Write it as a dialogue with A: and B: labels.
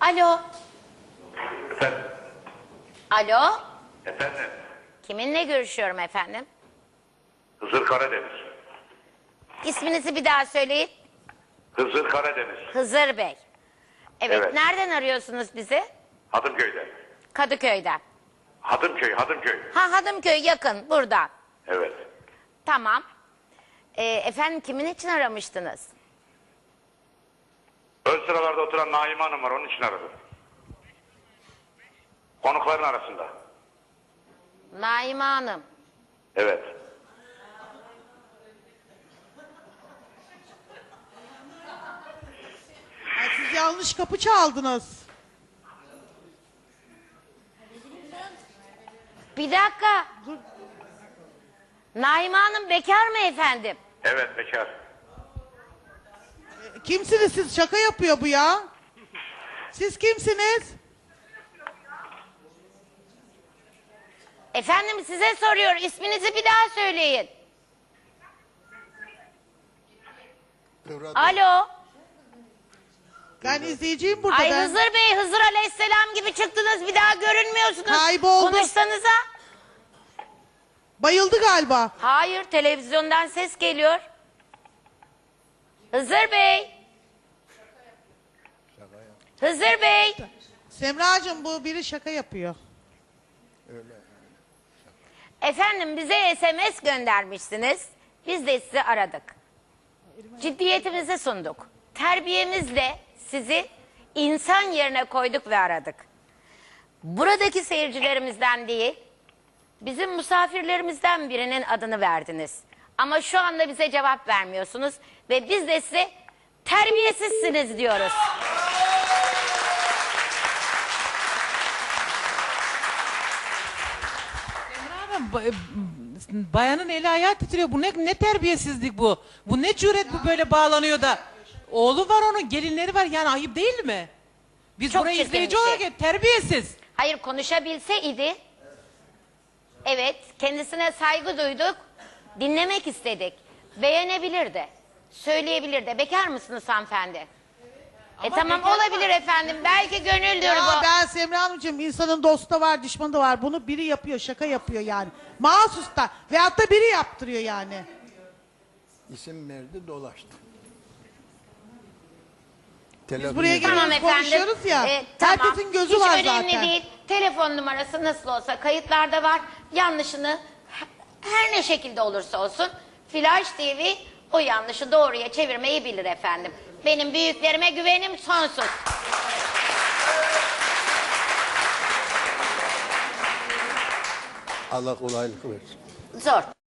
A: Alo.
B: Efendim?
A: Alo.
B: Efendim?
A: Kiminle görüşüyorum efendim?
B: Hızır Karadeniz.
A: İsminizi bir daha söyleyin.
B: Hızır Karadeniz.
A: Hızır Bey. Evet,
B: Evet.
A: nereden arıyorsunuz bizi?
B: Hadımköy'den.
A: Kadıköy'den.
B: Hadımköy.
A: Ha, Hadımköy yakın, buradan.
B: Evet.
A: Tamam. Efendim kimin için aramıştınız?
B: Ön sıralarda oturan Naime Hanım var, onun için aradım. Konukların arasında.
A: Naime Hanım.
B: Evet.
C: Ay, siz yanlış kapı çaldınız.
A: Bir dakika. Naime Hanım bekar mı efendim?
B: Evet, bekar.
C: Kimsiniz siz? Şaka yapıyor bu ya. Siz kimsiniz?
A: Efendim size soruyor. İsminizi bir daha söyleyin. Alo.
C: Ben izleyiciyim burada.
A: Ay
C: ben.
A: Hızır Bey, Hızır Aleyhisselam gibi çıktınız. Bir daha görünmüyorsunuz.
C: Kayboldu.
A: Konuşsanıza.
C: Bayıldı galiba.
A: Hayır, televizyondan ses geliyor. Hızır Bey. Hızır Bey.
C: Semracığım, bu biri şaka yapıyor.
A: Efendim bize SMS göndermişsiniz. Biz de sizi aradık. Ciddiyetimizi sunduk. Terbiyemizle sizi insan yerine koyduk ve aradık. Buradaki seyircilerimizden değil, bizim misafirlerimizden birinin adını verdiniz. Ama şu anda bize cevap vermiyorsunuz ve biz de size terbiyesizsiniz diyoruz.
D: Bayanın eli ayağı titriyor. Bu ne terbiyesizlik bu? Bu ne cüret bu böyle bağlanıyor da? Oğlu var onun, gelinleri var. Yani ayıp değil mi? Biz
A: Çok
D: burayı
A: çirkin
D: izleyici
A: bir şey.
D: olarak terbiyesiz.
A: Hayır, konuşabilseydi, evet, kendisine saygı duyduk, dinlemek istedik, beğenebilirdi, söyleyebilirdi. Bekar mısınız hanımefendi? Tamam, olabilir efendim, belki gönüldür
C: Ya
A: bu.
C: ben Semra Hanımcığım, insanın dostu da var, düşmanı da var. Bunu biri yapıyor, şaka yapıyor yani. Mahsus da. Veyahut da biri yaptırıyor yani.
E: İsim verdi, dolaştı.
C: Biz buraya
A: Tamam
C: geliyoruz,
A: efendim.
C: konuşuyoruz ya.
A: Tamam.
C: Herkesin gözü
A: Hiç
C: var
A: önemli
C: zaten.
A: değil. Telefon numarası nasıl olsa kayıtlarda var. Yanlışını her ne şekilde olursa olsun Flash TV o yanlışı doğruya çevirmeyi bilir efendim. Benim büyüklerime güvenim sonsuz.
E: Allah kolaylık versin.
A: Zor.